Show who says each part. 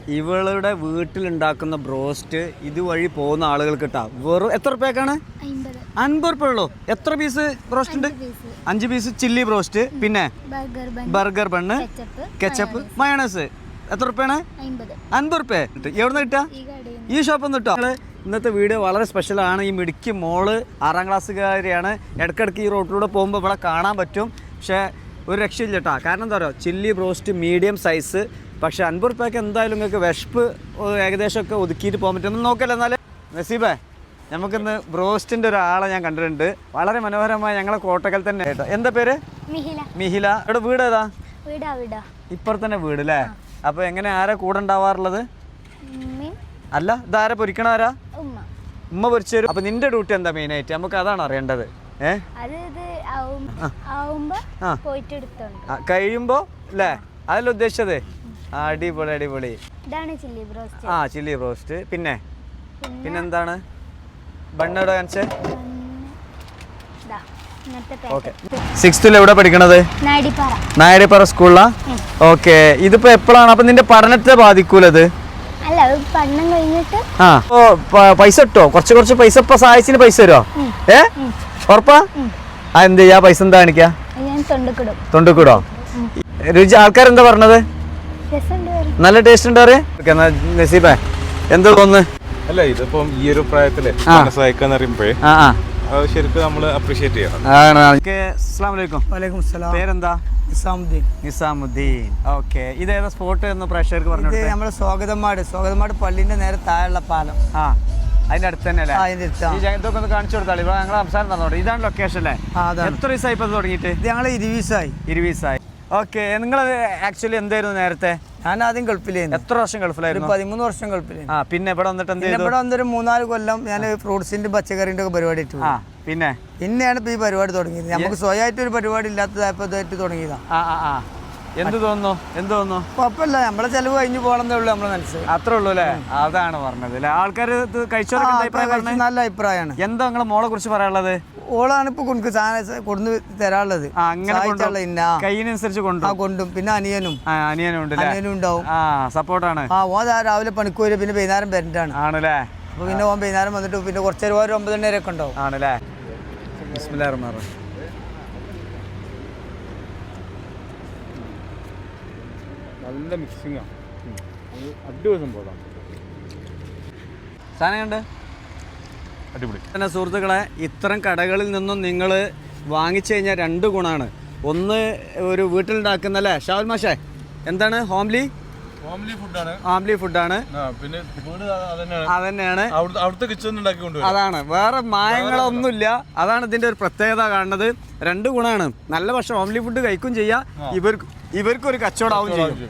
Speaker 1: ഇവളുടെ വീട്ടിലുണ്ടാക്കുന്ന ബ്രോസ്റ്റ് ഇതുവഴി പോകുന്ന ആളുകൾക്ക് കിട്ടാം. വെറും എത്ര റുപ്യക്കാണ്? 50 റുപ്യ ഉള്ളൂ. എത്ര പീസ് ബ്രോസ്റ്റ് ഉണ്ട്? 5 പീസ് ചില്ലി ബ്രോസ്റ്റ്, പിന്നെ ബർഗർ ബണ്ണ്, കെച്ചപ്പ്, മയോണൈസ്. എത്ര റുപ്യാണ്? 50 റുപ്യ. എവിടുന്ന് കിട്ടാ? ഈ ഷോപ്പിൽ നിന്ന് കിട്ടാം. ഇന്നത്തെ വീഡിയോ വളരെ സ്പെഷ്യലാണ്. ഈ മിടുക്കി മോള് 6ാം ക്ലാസ്സുകാരിയാണ്. ഇടയ്ക്കിടയ്ക്ക് ഈ റോട്ടിലൂടെ പോകുമ്പോൾ ഇവിടെ കാണാൻ പറ്റും. പക്ഷേ ഒരു രക്ഷയില്ല കേട്ടോ. കാരണം എന്താ പറയുക, ചില്ലി ബ്രോസ്റ്റ് മീഡിയം സൈസ്. പക്ഷേ 50 റുപ്യക്ക് എന്തായാലും നിങ്ങൾക്ക് വിശപ്പ് ഏകദേശമൊക്കെ ഒതുക്കിയിട്ട് പോകാൻ പറ്റും. ഒന്ന് നോക്കല്ലേ എന്നാൽ. നസീബേ, നമുക്കിന്ന് ബ്രോസ്റ്റിൻ്റെ ഒരാളെ ഞാൻ കണ്ടിട്ടുണ്ട്. വളരെ മനോഹരമായ ഞങ്ങളെ കോട്ടക്കൽ തന്നെ കേട്ടോ. എന്താ പേര്? മിഹില. ഇവിടെ വീട് ഏതാ? ഇപ്പുറത്ത് തന്നെ വീട് അല്ലേ? അപ്പോൾ എങ്ങനെ ആരാ കൂടെ ഉണ്ടാവാറുള്ളത്? അല്ല, ഇതാരാ പൊരിക്കണ? ആരാ? ഉമ്മ പൊരിച്ചു തരും. അപ്പോൾ നിന്റെ ഡ്യൂട്ടി എന്താ മെയിനായിട്ട്? നമുക്ക് അതാണ് അറിയേണ്ടത്. കഴിയുമ്പോ അല്ലേ? അതല്ല ഉദ്ദേശിച്ചത്. അടിപൊളി അടിപൊളി. Chilli broast. പിന്നെന്താണ്? ബണ്ണോടെ കാണിച്ചേ. ഓക്കെ. 6th എവിടെ പഠിക്കണത്? നായടിപ്പാറ സ്കൂളിലാ? ഓക്കെ. ഇതിപ്പോ എപ്പോഴാണ്? അപ്പൊ നിന്റെ പഠനത്തെ ബാധിക്കൂലത്? പൈസ കിട്ടോ? കുറച്ച് പൈസ ഇപ്പൊ സഹായിച്ചിന് പൈസ തരുമോ? ഉറപ്പാ? എന്ത് ചെയ്യാ? പൈസ എന്താ കാണിക്കാ? തൊണ്ടിക്കൂടോ? രുചി ആൾക്കാരെന്താ പറഞ്ഞത്? നല്ല ടേസ്റ്റ് ഉണ്ട് പറയാ. നസീബേ, എന്താ തോന്നുന്നു?
Speaker 2: അല്ല, ഇതിപ്പം ഈ ഒരു പ്രായത്തില് സഹായിക്കാന്ന് പറയുമ്പോഴേ ശരിക്കും നമ്മള് അപ്രീഷിയേറ്റ് ചെയ്യണം.
Speaker 1: പേരെന്താ? നിസാമുദ്ദീൻ. ഓക്കെ. ഇതേതാ സ്പോട്ട് എന്ന് പ്രേക്ഷകർക്ക് പറഞ്ഞു?
Speaker 3: നമ്മുടെ സ്വാഗതമാട് പള്ളിന്റെ നേരെ താഴെയുള്ള പാലം.
Speaker 1: അതിന്റെ അടുത്ത് തന്നെ അല്ലേ? ഇതൊക്കെ ഒന്ന് കാണിച്ചു കൊടുത്താൽ ഞങ്ങൾ സംസാരം തന്നോട്ടെ. ഇതാണ് ലൊക്കേഷൻ അല്ലേ? എത്ര ദിവസമായി ഇപ്പൊ തുടങ്ങിയിട്ട്?
Speaker 3: ഞങ്ങൾ 20
Speaker 1: ദിവസമായി. ഓക്കെ. നിങ്ങൾ ആക്ച്വലി എന്തായിരുന്നു നേരത്തെ?
Speaker 3: ഞാൻ ആദ്യം ഗൾഫിലായിരുന്നു.
Speaker 1: എത്ര വർഷം ഗൾഫിലായിരുന്നു?
Speaker 3: 13 വർഷം ഗൾഫിലായിരുന്നു.
Speaker 1: പിന്നെ ഇവിടെ വന്നിട്ട് എന്ത് ചെയ്തു?
Speaker 3: ഇവിടെ വന്നൊരു 3-4 കൊല്ലം ഞാൻ ഫ്രൂട്ട്സിന്റെ പച്ചക്കറിന്റെ ഒക്കെ പരിപാടി ഇട്ടു. പിന്നെയാണ് ഇപ്പൊ ഈ പരിപാടി തുടങ്ങിയത്. നമുക്ക് സ്വയമായിട്ട് ഒരു പരിപാടി ഇല്ലാത്തതായപ്പോ തുടങ്ങിയതാ.
Speaker 1: എന്ത് തോന്നുന്നു?
Speaker 3: കുഴപ്പമില്ല, നമ്മളെ ചെലവ് കഴിഞ്ഞു പോകണമെന്നേ ഉള്ളൂ നമ്മളെ മനസ്സിൽ.
Speaker 1: അത്രേ ഉള്ളൂ അല്ലേ? അതാണ് പറഞ്ഞത് അല്ലേ? ആൾക്കാർ
Speaker 3: നല്ല അഭിപ്രായമാണ്.
Speaker 1: എന്താ നിങ്ങളെ മോളെ കുറിച്ച് പറയാനുള്ളത്?
Speaker 3: ഓളാണ് ഇപ്പൊ കൊണ്ടു തരാനുള്ളത്.
Speaker 1: കയ്യിനനുസരിച്ച്
Speaker 3: കൊണ്ടും. പിന്നെ അനിയനും ഉണ്ടാവും.
Speaker 1: സപ്പോർട്ടാണ്.
Speaker 3: ഓൻ രാവിലെ പണിക്ക് വരും, പിന്നെ വൈകുന്നേരം വരണ്ടാണ്.
Speaker 1: ആണല്ലേ?
Speaker 3: അപ്പൊ പിന്നെ ഓൻ വൈകുന്നേരം വന്നിട്ട് പിന്നെ കുറച്ചു നേരം 9 മണി വരെ ഒക്കെ ഉണ്ടാവും.
Speaker 1: ആണല്ലേ? ബിസ്മില്ലാഹിർ റഹ്മാനിർ റഹീം.
Speaker 2: നല്ല മിക്സിംഗ് ആണ്. അടിപൊളി സംഭവമാണ്.
Speaker 1: സാധനം കണ്ട്
Speaker 2: അടിപൊളി
Speaker 1: തന്നെ. സുഹൃത്തുക്കളെ, ഇത്തരം കടകളിൽ നിന്നും നിങ്ങൾ വാങ്ങിച്ചു കഴിഞ്ഞാൽ 2 ഗുണമാണ്. ഒന്ന്, ഒരു വീട്ടിലുണ്ടാക്കുന്ന അല്ലേ ഷാവുൽ മാഷേ, എന്താണ്? ഹോംലി ഫുഡാണ്.
Speaker 2: പിന്നെ
Speaker 1: അതന്നെയാണ്
Speaker 2: അവിടുത്തെ കിച്ചൺ ഉണ്ടാക്കിക്കൊണ്ട്.
Speaker 1: അതാണ്, വേറെ മായങ്ങളൊന്നുമില്ല. അതാണ് ഇതിന്റെ ഒരു പ്രത്യേകത കാണുന്നത്. 2 ഗുണമാണ്. നല്ല പക്ഷെ ഹോംലി ഫുഡ് കഴിക്കും ചെയ്യാം, ഇവർക്കൊരു കച്ചവടമാവും ചെയ്യും.